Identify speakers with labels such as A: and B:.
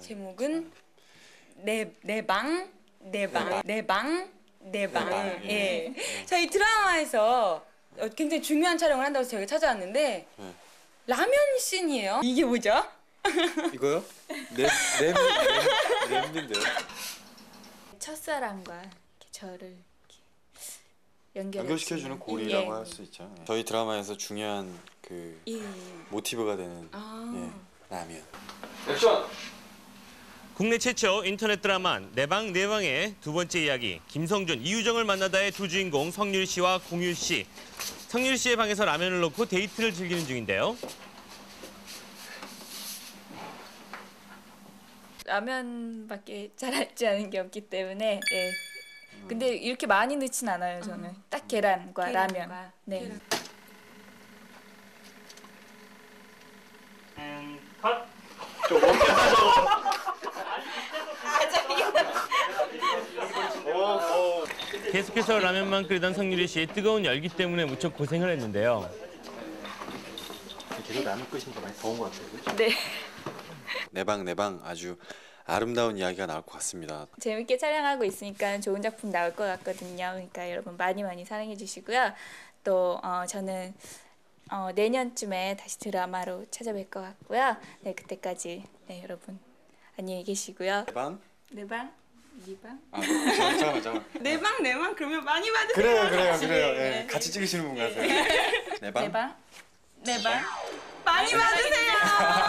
A: 제목은 내 방. 예. 저희 드라마에서 굉장히 중요한 촬영을 한다고 저희가 찾아왔는데 라면 씬이에요. 이게 뭐죠?
B: 이거요? 랩인데요.
C: 첫사랑과 이렇게 저를 이렇게
B: 연결시켜주는 고리라고 할 수 있죠. 저희 드라마에서 중요한 그 모티브가 되는 라면. 액션!
D: 국내 최초 인터넷 드라마 내 방 내 방의 두 번째 이야기 김성준, 이유정을 만나다의 두 주인공 성률 씨와 공유 씨. 성률 씨의 방에서 라면을 놓고 데이트를 즐기는 중인데요.
C: 라면밖에 잘 알지 않은 게 없기 때문에 근데 이렇게 많이 넣진 않아요 저는. 딱 계란과 라면. 네.
D: 컷! 계속해서 라면만 끓이던 성유리 씨 뜨거운 열기 때문에 무척 고생을 했는데요.
B: 계속 라면 끓이시는 거 많이 더운 것 같아요. 그렇죠?
C: 네.
B: 내 방 아주 아름다운 이야기가 나올 것 같습니다.
C: 재밌게 촬영하고 있으니까 좋은 작품 나올 것 같거든요. 그러니까 여러분 많이 사랑해 주시고요. 또 저는 내년쯤에 다시 드라마로 찾아뵐 것 같고요. 네, 그때까지 여러분 안녕히 계시고요.
B: 내 방?
C: 내 방? 네 방?
B: 잠깐만.
A: 내 방 그러면 많이 받으세요.
B: 그래요. 네. 같이 찍으시는 분 같아요. 내 방?
C: 내 방?
A: 많이 받으세요.